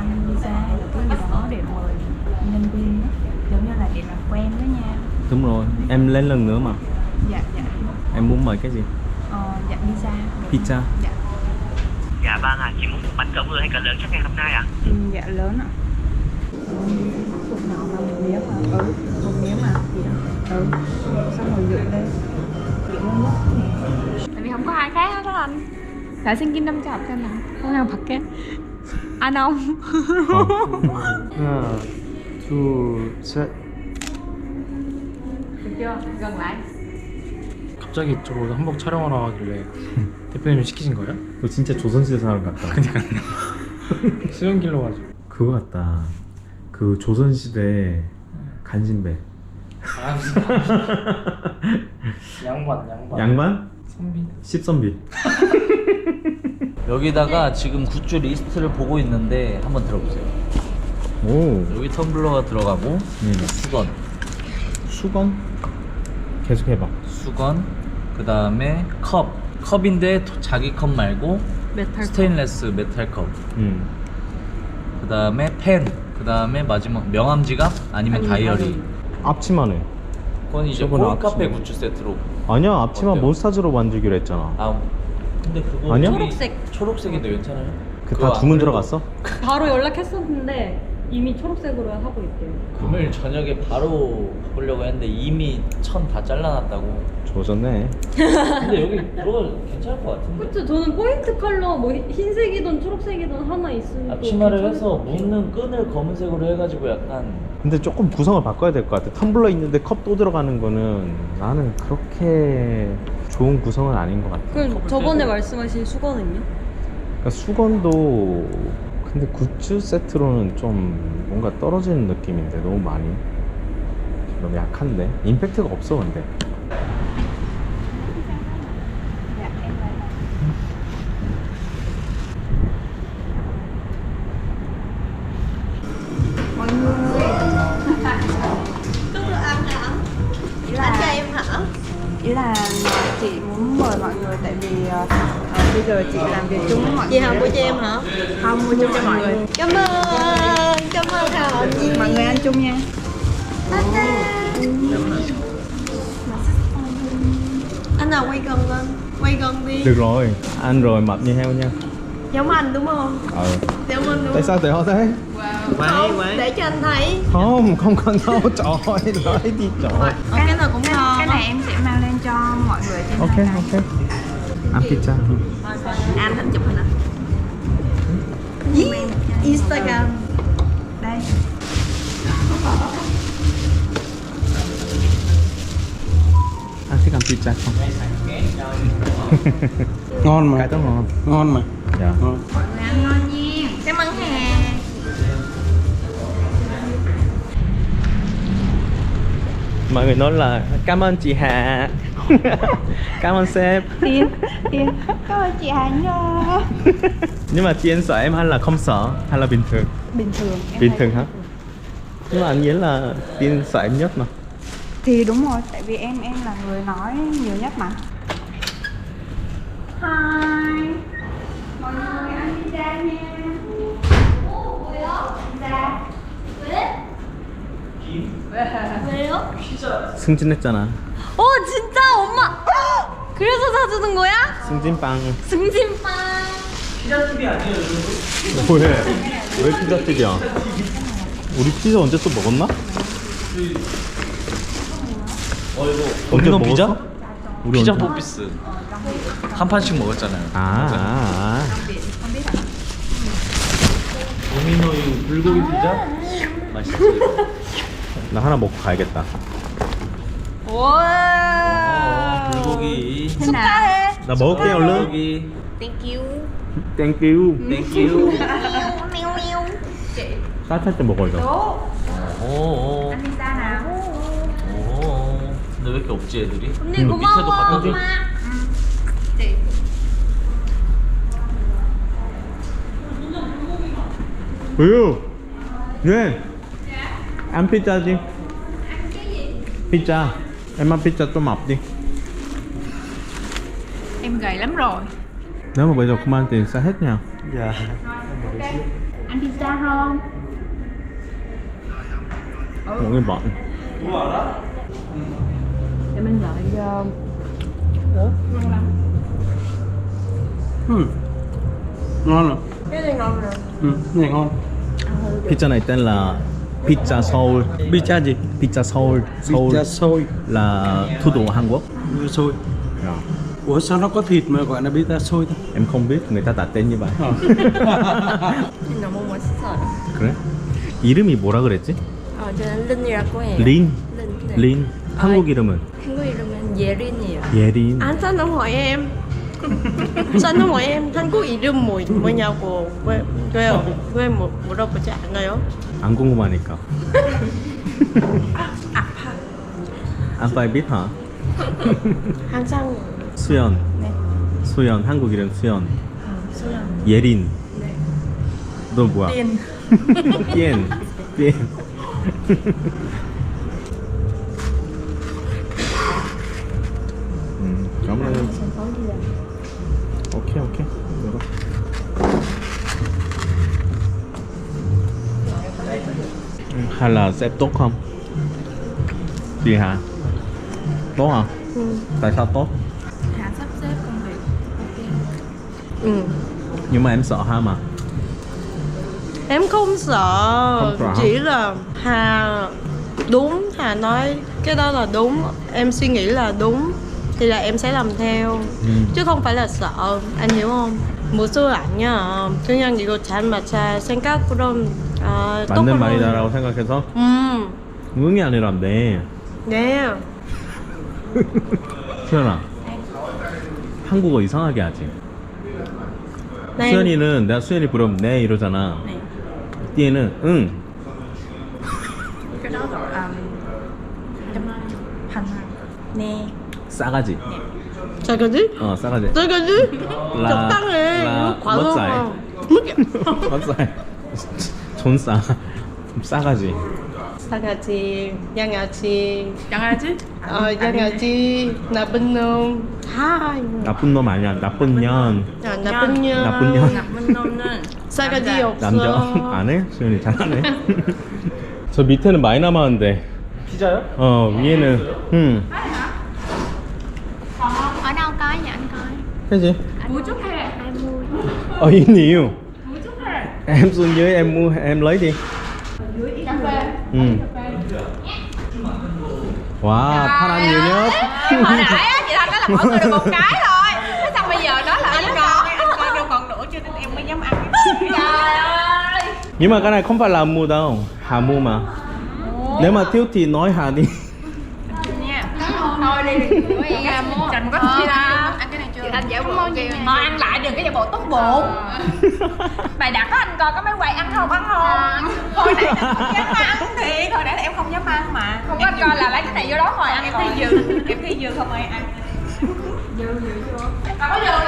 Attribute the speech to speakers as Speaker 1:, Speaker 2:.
Speaker 1: visa hay là cái gì đó để mời nhân viên á, giống như là để làm quen với nhau.
Speaker 2: Đúng rồi, em lên lần nữa mà.
Speaker 1: Dạ.
Speaker 2: Em muốn mời cái gì?
Speaker 1: Dạ pizza.
Speaker 2: Pizza.
Speaker 1: Dạ.
Speaker 3: Dạ vâng ạ, chị muốn một bánh cỡ vừa hay cỡ lớn chắc ngày hôm nay ạ?
Speaker 1: Dạ lớn ạ. Cục nào mà một miếng mà. Một miếng mà. Xong rồi dựng lên. Dựng lên nhất. Tại vì không có ai khác hết đó anh. 잘생긴 남자 없잖아. 그냥 밖에 안 옴.
Speaker 4: 하나, 둘, 셋.
Speaker 1: Được chưa? Gần lại.
Speaker 4: 갑자기 이쪽으로 한복 촬영하러 가길래 대표님이 시키신 거예요?
Speaker 2: 너 진짜 조선시대 사람 같다.
Speaker 4: 수영길로 가지고.
Speaker 2: 그거 같다. 그 조선시대 간신배.
Speaker 4: 아 무슨 양반.
Speaker 2: 양반?
Speaker 4: 선비.
Speaker 2: 십선비.
Speaker 5: 여기다가 지금 굿즈 리스트를 보고 있는데 한번 들어보세요.
Speaker 2: 오.
Speaker 5: 여기 텀블러가 들어가고 수건,
Speaker 2: 수건? 계속 해봐.
Speaker 5: 수건, 그 다음에 컵인데 자기 컵 말고
Speaker 1: 메탈
Speaker 5: 스테인레스 메탈 컵. 그 다음에 펜, 그 다음에 마지막 명함 지갑 아니면 다이어리.
Speaker 2: 앞치마네.
Speaker 5: 그건 이제
Speaker 2: 저번에
Speaker 5: 콜카페
Speaker 2: 앞치마.
Speaker 5: 굿즈 세트로.
Speaker 2: 아니야, 앞치마
Speaker 5: 어때요?
Speaker 2: 몬스타즈로 만들기로 했잖아.
Speaker 5: 아 근데 그거
Speaker 2: 아니야?
Speaker 5: 초록색인데 괜찮아요?
Speaker 2: 그
Speaker 5: 그거
Speaker 2: 다 주문
Speaker 5: 안 그래도
Speaker 2: 들어갔어?
Speaker 6: 바로 연락했었는데 이미 초록색으로 하고 있대요.
Speaker 5: 금요일 저녁에 바로 바꾸려고 했는데 이미 천 다 잘라놨다고.
Speaker 2: 조졌네.
Speaker 5: 근데 여기 들어가도 괜찮을 것 같은데.
Speaker 6: 그쵸? 저는 포인트 컬러 뭐 흰색이든 초록색이든 하나 있으면
Speaker 5: 앞치마를 해서 묶는 끈을 검은색으로 해가지고 약간
Speaker 2: 근데 조금 구성을 바꿔야 될 것 같아. 텀블러 있는데 컵 또 들어가는 거는 나는 그렇게 좋은 구성은 아닌 것 같아.
Speaker 6: 그럼 저번에 말씀하신 수건은요?
Speaker 2: 그러니까 수건도 근데 굿즈 세트로는 좀 뭔가 떨어지는 느낌인데 너무 많이 너무 약한데 임팩트가 없어 근데.
Speaker 1: Mọi người.
Speaker 7: Anh cho em hả?
Speaker 1: Ý là chị muốn mời mọi người tại vì bây giờ chị làm việc chung với mọi
Speaker 7: Chị
Speaker 1: người.
Speaker 7: Hồng mua cho em hả?
Speaker 1: Không, mua chung cho mọi người.
Speaker 7: Cảm ơn Hồng.
Speaker 1: Mọi người ăn chung nha.
Speaker 7: Anh nào quay gần đi.
Speaker 2: Được rồi, ăn rồi mập như heo nha.
Speaker 7: Giống anh đúng không? Giống anh đúng
Speaker 2: Tại sao tại họ thế?
Speaker 7: không? Để cho anh thấy.
Speaker 2: Không cần đâu, trời ơi, nói đi trời.
Speaker 7: Cái nào cũng ngon.
Speaker 1: Cái này em sẽ mang lên cho mọi người trên
Speaker 2: Ok,
Speaker 1: này.
Speaker 2: ok. Ăn pizza.
Speaker 7: Anh hình chụp hình à? Instagram.
Speaker 1: Đây.
Speaker 2: Anh thích ăn pizza không?
Speaker 4: ngon mà.
Speaker 2: Cái đó ngon.
Speaker 4: ngon mà.
Speaker 2: Dạ.
Speaker 4: ngon.
Speaker 1: Mọi người ăn ngon nha.
Speaker 7: Cảm ơn Hà.
Speaker 2: Mọi người nói là cảm ơn chị Hà. Cảm ơn sếp.
Speaker 1: Tiên. Cảm ơn chị Hà nha.
Speaker 2: Nhưng mà chị anh sợ em hay là không sợ hay là bình thường?
Speaker 1: Bình thường. Em
Speaker 2: Bình
Speaker 1: thấy
Speaker 2: thường hả? Nhưng mà anh nghĩ là Tiên sợ em nhất mà.
Speaker 1: Thì đúng rồi, tại vì em là người nói nhiều nhất mà. Hi. Mọi người ăn pizza nha.
Speaker 7: 왜요?
Speaker 2: 승진했잖아.
Speaker 7: 진짜 엄마. 그래서 사주는 거야?
Speaker 2: 승진빵.
Speaker 7: 승진빵.
Speaker 2: 왜? 왜 피자집이야? 우리 피자 언제 또 먹었나? 언제
Speaker 5: 도미노 피자?
Speaker 2: 먹었어? 우리
Speaker 5: 피자
Speaker 2: 언제?
Speaker 5: 포피스 한 판씩 먹었잖아요. 도미노의 불고기 피자 맛있어요.
Speaker 2: 나 하나 먹고 가야겠다.
Speaker 7: 와.
Speaker 5: 불고기.
Speaker 7: 축하해.
Speaker 2: 나 먹을게 얼른.
Speaker 5: 불고기.
Speaker 7: Thank you.
Speaker 2: Thank you.
Speaker 5: 땡큐.
Speaker 7: Meo meo.
Speaker 2: 따뜻할 때 먹어 이거.
Speaker 5: 오.
Speaker 1: Ăn pizza nào.
Speaker 5: 오. 근데 왜 이렇게 없지 애들이?
Speaker 7: 언니
Speaker 5: 밑에도
Speaker 7: 고마워.
Speaker 5: 갖다 줘.
Speaker 7: 엄마.
Speaker 2: 우유. 네. Ăn pizza đi. Pizza. Em ăn pizza tô mập đi.
Speaker 1: Em gầy lắm rồi.
Speaker 2: Nếu mà bây giờ không ăn tiền sẽ hết nha.
Speaker 4: 야.
Speaker 1: Ăn pizza không?
Speaker 2: Một cái bọn.
Speaker 1: Để mình gọi
Speaker 4: Ngon rồi.
Speaker 7: Cái này ngon rồi.
Speaker 4: Cái này ngon.
Speaker 2: Pizza này tên là Pizza Seoul.
Speaker 4: Pizza gì?
Speaker 2: Pizza Seoul. Seoul
Speaker 4: Pizza xôi.
Speaker 2: là thủ đô Hàn Quốc.
Speaker 4: Xôi.
Speaker 2: Dạ.
Speaker 4: Ủa sao nó có thịt mà gọi là pizza xôi ta?
Speaker 2: Em không biết người ta đặt tên như vậy.
Speaker 7: 너무 맛있어요.
Speaker 2: 그래? 이름이 뭐라 그랬지?
Speaker 7: 저는 린이라고 해요.
Speaker 2: 린.
Speaker 7: 린. 네.
Speaker 2: 린. 한국 이름은
Speaker 7: 한국 이름은 예린이에요.
Speaker 2: 예린.
Speaker 7: Anh sao không hỏi em? Sao không hỏi em 한국 이름 뭐냐고 왜 물어보지 않아요?
Speaker 2: 안 궁금하니까. 아빠 biết hả?
Speaker 7: 항상
Speaker 2: 수연.
Speaker 1: 네.
Speaker 2: 수연. 한국 이름 수연.
Speaker 1: 수연.
Speaker 2: 예린.
Speaker 1: 네.
Speaker 2: 너 뭐야?
Speaker 1: Tiên.
Speaker 2: Tiên. Tiên. Cảm ơn.
Speaker 1: Sân khấu đi làm.
Speaker 2: Ok ok. Được rồi. Hay là sẽ tốt không? Gì hả? Tốt hả? Tại sao tốt?
Speaker 1: Hà sắp xếp công việc.
Speaker 7: ừ.
Speaker 2: Nhưng mà em sợ ha mà.
Speaker 7: Em không sợ,
Speaker 2: Không sợ.
Speaker 7: chỉ là Hà đúng, Hà nói cái đó là đúng, em suy nghĩ là đúng thì là em sẽ làm theo, chứ không phải là sợ, anh hiểu không? 무슨 아니야. 그냥 이거 잘 맞아. 생각으로
Speaker 2: 맞는 말이다라고 생각해서 응이 아니라 네.
Speaker 7: 네.
Speaker 2: 수연아. 한국어 이상하게 하지.
Speaker 7: 네.
Speaker 2: 수연이는 내가 수연이 부르면 네 이러잖아.
Speaker 1: 네.
Speaker 2: 띠에는 응.
Speaker 1: Cái đó gọi hành nè.
Speaker 2: 싸가지.
Speaker 7: 싸가지?
Speaker 2: 싸가지.
Speaker 7: 싸가지? 적당해.
Speaker 2: 라
Speaker 7: 이거 과거.
Speaker 2: 몇 살? 존싸. 싸가지.
Speaker 7: 싸가지, 양아치,
Speaker 1: 양아지?
Speaker 7: 양아치, 나쁜 놈, 다.
Speaker 2: 나쁜 놈 아니야. 나쁜 년.
Speaker 7: 나쁜 년.
Speaker 2: 나쁜 년.
Speaker 1: 나쁜 놈은
Speaker 7: 싸가지 없어.
Speaker 2: 남자 안 해? 수연이 잘하네. 저 밑에는 많이 남았는데.
Speaker 4: 피자요?
Speaker 2: 위에는
Speaker 1: ở đâu có vậy anh coi.
Speaker 2: cái gì?
Speaker 1: Mua chút hay là ai mua?
Speaker 2: Ở yên nhiều. Em xuống dưới em mua em lấy đi.
Speaker 1: Cà phê.
Speaker 2: Wow, Thanh nhiều nhất.
Speaker 1: Hồi nãy á, chị Thanh nói là mỗi người được một cái thôi. Thế xong bây giờ nói là anh coi đâu còn nữa cho nên em mới dám ăn. Trời ơi.
Speaker 2: Nhưng mà cái này không phải là mua đâu, Hà mua mà. Nếu mà thiếu thì nói Hà đi.
Speaker 1: Nha. Thôi đi. Chành có chi ra. Ăn cái này chưa? Chị Thanh giả bộ kêu. Thôi ăn lại đừng cái giả bộ tốt bụng. Mày đặt đó anh coi có mấy quầy ăn không? Hồi nãy em không dám ăn thiệt. Hồi nãy là em không dám ăn mà. Không có anh coi là lấy cái này vô đó rồi ăn. Em thấy dư. Em thấy dư không ai ăn. Dư vô. Có dư